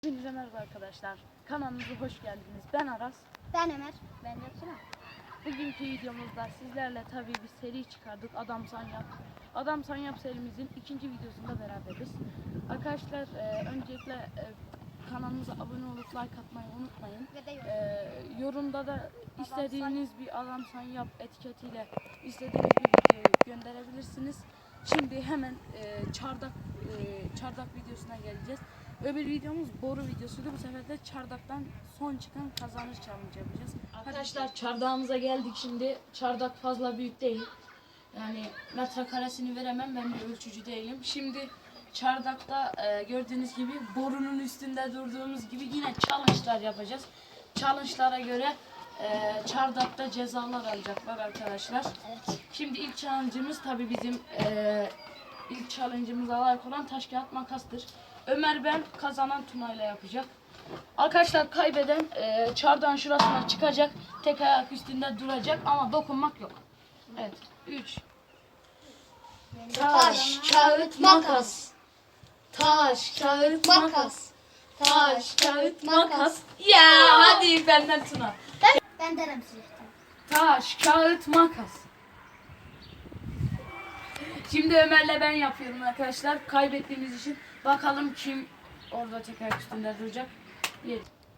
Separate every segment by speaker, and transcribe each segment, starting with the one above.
Speaker 1: Hepinize merhaba arkadaşlar. Kanalımıza hoş geldiniz. Ben Aras.
Speaker 2: Ben Ömer. Ben de Tuna.
Speaker 1: Bugünkü videomuzda sizlerle tabii bir seri çıkardık. Adam San Yap. Adam San Yap serimizin ikinci videosunda beraberiz. Arkadaşlar öncelikle kanalımıza abone olup like atmayı unutmayın.
Speaker 2: Ve de
Speaker 1: Yorumda da istediğiniz bir Adam San Yap etiketiyle istediğiniz bir videoyu gönderebilirsiniz. Şimdi hemen çardak videosuna geleceğiz. Öbür videomuz boru videosuydu. Bu sefer de çardaktan son çıkan kazanır challenge yapacağız. Arkadaşlar çardağımıza geldik şimdi. Çardak fazla büyük değil. Yani metrekaresini veremem, ben bir ölçücü değilim. Şimdi çardakta gördüğünüz gibi borunun üstünde durduğumuz gibi yine challenge'lar yapacağız. Challenge'lara göre çardakta cezalar alacaklar arkadaşlar.
Speaker 2: Evet.
Speaker 1: Şimdi ilk challenge'ımız tabii bizim ilk challenge'ımıza layık olan taş kağıt makastır. Ömer ben, kazanan Tuna ile yapacak. Arkadaşlar kaybeden çardağın şurasına çıkacak. Tek ayak üstünde duracak ama dokunmak yok. Evet. 3
Speaker 2: Taş, kağıt, makas.
Speaker 1: Taş, kağıt,
Speaker 2: Makas.
Speaker 1: Taş, kağıt, makas. Ya hadi benden Tuna.
Speaker 2: Ben derim silahtan.
Speaker 1: Taş, kağıt, makas. Şimdi Ömer'le ben yapıyorum arkadaşlar. Kaybettiğimiz için bakalım kim orada tek ayak üstünde duracak. 1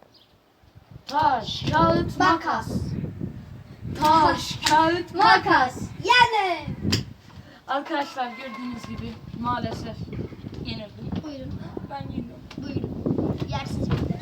Speaker 1: Taş, kağıt, makas. Taş, kağıt, makas.
Speaker 2: Makas. Yani.
Speaker 1: Arkadaşlar gördüğünüz gibi maalesef yenildim.
Speaker 2: Buyurun.
Speaker 1: Ben yenildim.
Speaker 2: Buyurun. Yersiz bilir.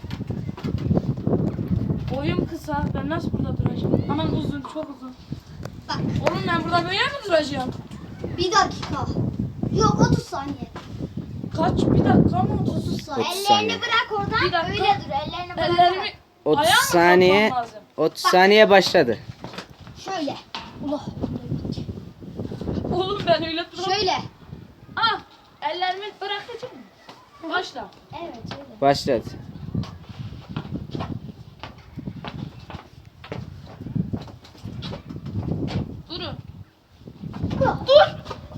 Speaker 1: Boyum kısa. Ben nasıl burada duracağım? Aman uzun, çok uzun.
Speaker 2: Bak.
Speaker 1: Oğlum ben burada böyle mi duracağım?
Speaker 2: Bir dakika. Yok 30 saniye.
Speaker 1: Kaç? Bir dakika mı?
Speaker 2: 30 saniye.
Speaker 3: 30
Speaker 2: Ellerini
Speaker 3: saniye.
Speaker 2: bırak oradan.
Speaker 1: Bir dakika.
Speaker 2: Öyle dur. Ellerini bırak.
Speaker 1: Ellerimi
Speaker 3: 30
Speaker 1: ayağa mı
Speaker 3: saniye.
Speaker 1: kalkmam lazım?
Speaker 3: 30 saniye başladı.
Speaker 2: Şöyle. Allah.
Speaker 1: Oğlum ben öyle duramam.
Speaker 2: Şöyle.
Speaker 1: Ah! Ellerimi bırakacağım. Başla.
Speaker 2: Evet şöyle.
Speaker 3: Başladı.
Speaker 1: Durun.
Speaker 2: Bu.
Speaker 1: Dur!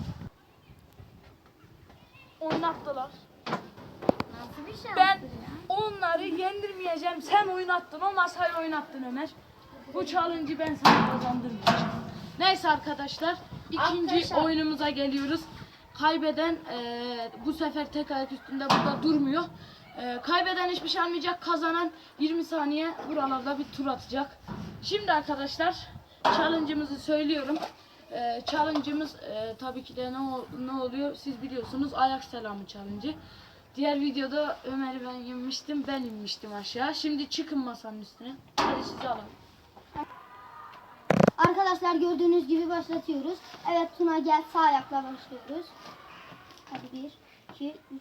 Speaker 1: Oynattılar.
Speaker 2: Nasıl bir şey
Speaker 1: Ben
Speaker 2: yaptın ya?
Speaker 1: onları yendirmeyeceğim. Sen oynattın. O masayı oynattın Ömer. Bu challenge'ı ben sana kazandırmayacağım. Neyse arkadaşlar. İkinci
Speaker 2: Arkadaşlar.
Speaker 1: oyunumuza geliyoruz. Kaybeden bu sefer tek ayak üstünde burada durmuyor. Kaybeden hiçbir şey almayacak. Kazanan 20 saniye buralarda bir tur atacak. Şimdi arkadaşlar challenge'ımızı söylüyorum. Challenge'ımız tabii ki de ne oluyor siz biliyorsunuz, ayak selamı challenge'ı. Diğer videoda Ömer'i ben inmiştim, ben inmiştim aşağı. Şimdi çıkın masanın üstüne. Hadi sizi alalım.
Speaker 2: Arkadaşlar gördüğünüz gibi başlatıyoruz. Evet Tuna gel, sağ ayakla başlıyoruz. Hadi 1, 2, 3,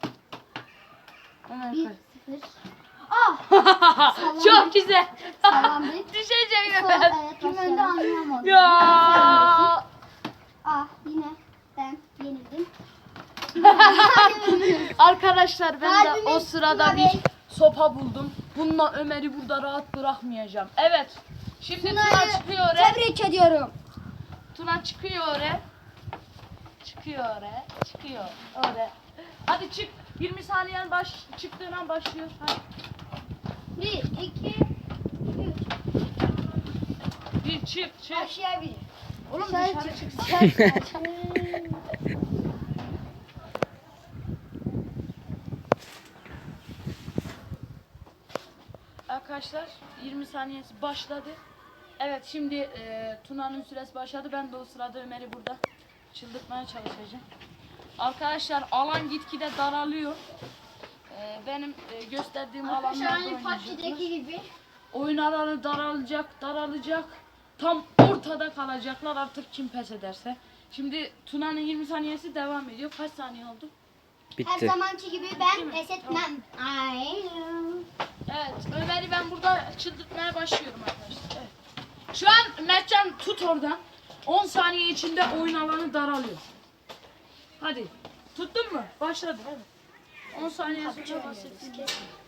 Speaker 1: Ömer
Speaker 2: 1,
Speaker 1: kay.
Speaker 2: 0. Ah!
Speaker 1: Çok güzel.
Speaker 2: Sallandık.
Speaker 1: Düşeceğim
Speaker 2: Sol,
Speaker 1: Ömer.
Speaker 2: evet, kim önde anlayamadım.
Speaker 1: Ya.
Speaker 2: Ah yine ben yenildim.
Speaker 1: Arkadaşlar ben de o
Speaker 2: Kalbimiz
Speaker 1: sırada
Speaker 2: Tuna
Speaker 1: bir
Speaker 2: Bey.
Speaker 1: sopa buldum. Bununla Ömer'i burada rahat bırakmayacağım. Evet. Şimdi Tuna
Speaker 2: Tuna'yı
Speaker 1: çıkıyor oraya.
Speaker 2: Tebrik ediyorum.
Speaker 1: Tuna çıkıyor oraya. Çıkıyor oraya. Çıkıyor oraya. Hadi çık. 20 saniyen çıktığın an başlıyor. Hadi.
Speaker 2: 1, 2, 3.
Speaker 1: Bir çık.
Speaker 2: Başlayabilir.
Speaker 1: Oğlum
Speaker 2: Dışarı
Speaker 1: dışarı
Speaker 2: çık.
Speaker 1: çıksana. Arkadaşlar 20 saniyesi başladı. Evet şimdi Tuna'nın süresi başladı. Ben de o sırada Ömer'i burada çıldırtmaya çalışacağım. Arkadaşlar alan gitgide daralıyor. Benim gösterdiğim alanlarda oynayacaklar.
Speaker 2: PUBG'deki gibi.
Speaker 1: Oyun alanı daralacak. Tam ortada kalacaklar artık kim pes ederse. Şimdi Tuna'nın 20 saniyesi devam ediyor. Kaç saniye oldu?
Speaker 2: Her
Speaker 3: Bitti.
Speaker 2: zamanki gibi
Speaker 1: Değil
Speaker 2: ben
Speaker 1: mi?
Speaker 2: pes etmem. Aynen.
Speaker 1: Evet, Ömer'i ben burada çıldırtmaya başlıyorum arkadaşlar. Evet. Şu an Mertcan tut oradan. 10 saniye içinde oyun alanı daralıyor. Hadi. Tuttun mu? Başladı. Evet. 10 saniye sonra bahsettiğim.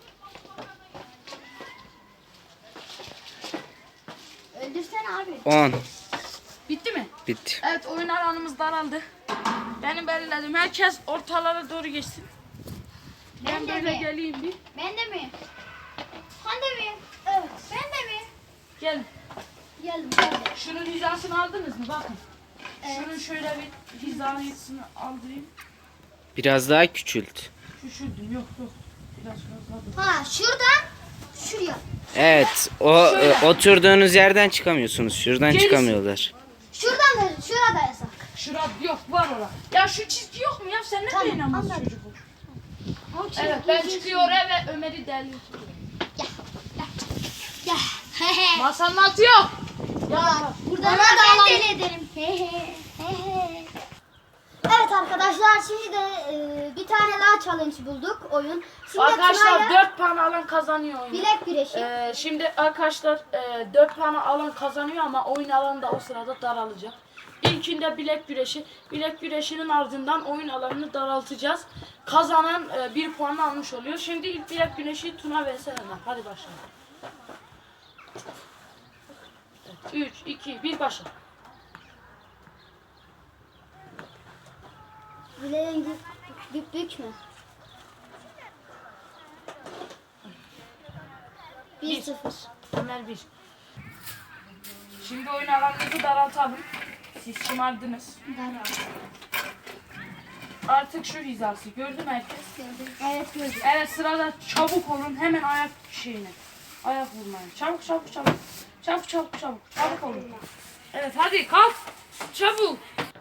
Speaker 2: Öldürsene abi.
Speaker 3: 10.
Speaker 1: Bitti mi?
Speaker 3: Bitti.
Speaker 1: Evet, oyun alanımız daraldı. Benim belirledim. Herkes ortalara doğru geçsin. Ben
Speaker 2: Ben de
Speaker 1: böyle
Speaker 2: bir.
Speaker 1: geleyim bir. bakın. Şunun şöyle bir hizasını aldırayım.
Speaker 3: Biraz daha küçült.
Speaker 1: Küçüldüm. Yok. Biraz fazla.
Speaker 2: Ha şuradan şuraya.
Speaker 3: Evet.
Speaker 1: Şöyle.
Speaker 3: Oturduğunuz yerden çıkamıyorsunuz. Şuradan
Speaker 1: Gerisi.
Speaker 3: çıkamıyorlar.
Speaker 2: Şuradan da şurada yasak.
Speaker 1: Şurada yok var ola. Ya şu çizgi yok mu ya? Sen ne
Speaker 2: Tamam,
Speaker 1: beğenamazsın
Speaker 2: anladım.
Speaker 1: çocuk ol.
Speaker 2: O çizgi
Speaker 1: Evet ben
Speaker 2: geçiyor.
Speaker 1: çıkıyorum ve Ömer'i deldim.
Speaker 2: Ya. Hehe.
Speaker 1: Masanın altı yok.
Speaker 2: Ya, buradan
Speaker 1: Bana
Speaker 2: da
Speaker 1: da
Speaker 2: ben
Speaker 1: alalım.
Speaker 2: deli ederim. Evet arkadaşlar şimdi de bir tane daha challenge bulduk oyun. Şimdi
Speaker 1: Arkadaşlar
Speaker 2: Tuna'yla
Speaker 1: 4 puan alan kazanıyor oyunu.
Speaker 2: bilek güreşi.
Speaker 1: Şimdi arkadaşlar 4 puanı alan kazanıyor ama oyun alanı da o sırada daralacak. İlkinde bilek güreşi. Bilek güreşinin ardından oyun alanını daraltacağız. Kazanan 1 puanı almış oluyor. Şimdi ilk bilek güreşi Tuna vs Ömer. Hadi başlayalım. 3, 2, 1 başla.
Speaker 2: Bileğin bükmü? 1-0.
Speaker 1: Ömer 1. Şimdi oyun alanınızı daraltalım. Siz şımardınız. Artık şu hizası. Gördü mü herkes?
Speaker 2: Evet gördüm.
Speaker 1: Evet sırada çabuk olun. Hemen ayak şeyine. Ayak vurmaya. Çabuk. Çabuk olun. Evet hadi kalk. Çabuk.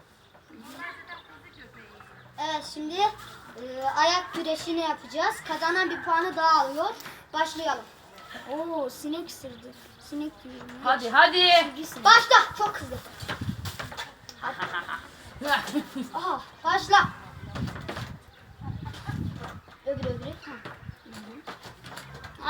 Speaker 2: Evet şimdi ayak güreşini yapacağız. Kazanan bir puanı daha alıyor. Başlayalım. Oo sinek ısırdı. Sinek gibi.
Speaker 1: Hadi.
Speaker 2: Başla. Çok hızlı. Aha başla. Öbürü. Ha.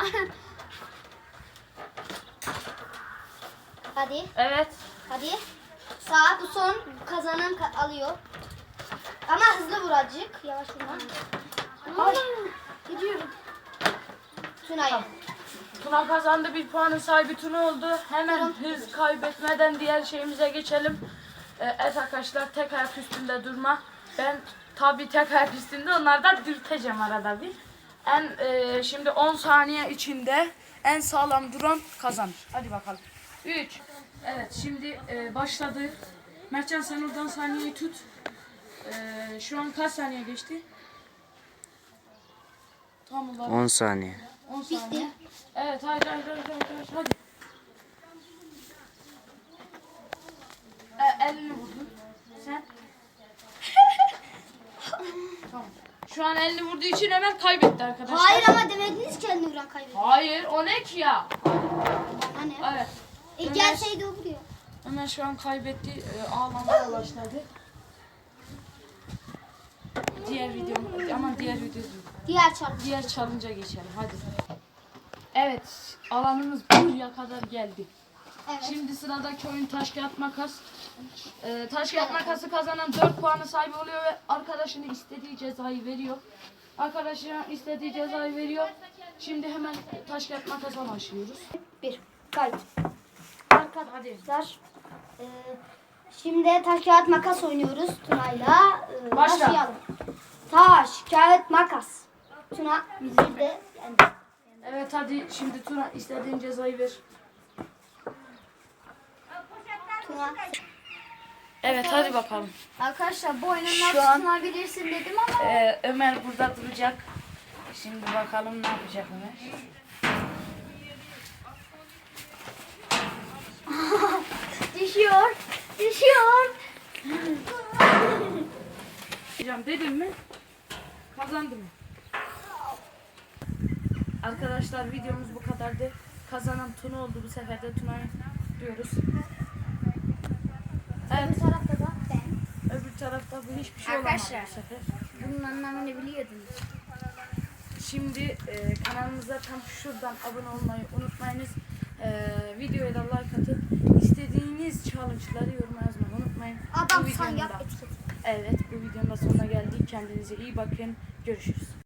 Speaker 2: Hadi.
Speaker 1: Evet.
Speaker 2: Hadi. Sağ bu son kazanan alıyor. Ama hızlı vur azıcık. Yavaş vurma. Ay. Gidiyorum. Tuna'ya.
Speaker 1: Tuna kazandı. 1 puanın sahibi Tuna oldu. Hemen hız kaybetmeden diğer şeyimize geçelim. Evet arkadaşlar tek ayak üstünde durma. Ben tabii tek ayak üstünde onlardan dürteceğim arada bir. Şimdi 10 saniye içinde en sağlam duran kazanır. Hadi bakalım. 3. Evet şimdi başladı. Mertcan sen oradan saniyeyi tut. Şu an kaç saniye geçti? Tam olarak
Speaker 3: 10 saniye.
Speaker 1: 10 saniye. Evet hadi. Elini vurdun. Sen? Tamam. Şu an elini vurduğu için Ömer kaybetti arkadaşlar.
Speaker 2: Hayır ama demediniz ki elini vuran kaybediyor.
Speaker 1: Hayır o ne ki ya?
Speaker 2: Hani?
Speaker 1: Evet.
Speaker 2: Gelseydi o vuruyor.
Speaker 1: Ömer şu an kaybetti. Ağlamaya başladı. Diğer video diğer challenge'a geçelim hadi. Evet alanımız buraya kadar geldi.
Speaker 2: Evet.
Speaker 1: Şimdi sıradaki oyun taş kağıt makas. Taş kağıt makası kazanan 4 puanı sahibi oluyor ve arkadaşına istediği cezayı veriyor. Şimdi hemen taş kağıt makasa başlıyoruz.
Speaker 2: 1. Kayıt.
Speaker 1: Hadi.
Speaker 2: Arkadaşlar şimdi taş kağıt makas oynuyoruz Tuna'yla.
Speaker 1: Başla.
Speaker 2: Başlayalım. Taş kağıt makas. Tuna müziği de yendi.
Speaker 1: Evet hadi şimdi Tuna istediğin cezayı ver.
Speaker 2: Tuna.
Speaker 1: Evet hadi bakalım.
Speaker 2: Arkadaşlar bu oyunun
Speaker 1: Şu
Speaker 2: nasıl
Speaker 1: an-
Speaker 2: sunabilirsin dedim ama
Speaker 1: Ömer burada duracak. Şimdi bakalım ne yapacak Ömer.
Speaker 2: düşüyor.
Speaker 1: Hocam dedim mi? Kazandım. Arkadaşlar videomuz bu kadardı. Kazanan Tuna oldu bu sefer de Tuna'yı diyoruz. Evet.
Speaker 2: Bu tarafta da ben.
Speaker 1: Öbür tarafta bu hiçbir şey olamadı
Speaker 2: Arkadaşlar.
Speaker 1: bu sefer.
Speaker 2: Bunun anlamını biliyordunuz.
Speaker 1: Şimdi kanalımıza tam şuradan abone olmayı unutmayınız. Videoya da like atıp istediğiniz challenge'ları yoruma yazmayı unutmayın.
Speaker 2: Adam
Speaker 1: Bu
Speaker 2: sen
Speaker 1: videonun
Speaker 2: yap
Speaker 1: da-
Speaker 2: etiket.
Speaker 1: Evet bu videonun da sonuna geldik. Kendinize iyi bakın. Görüşürüz.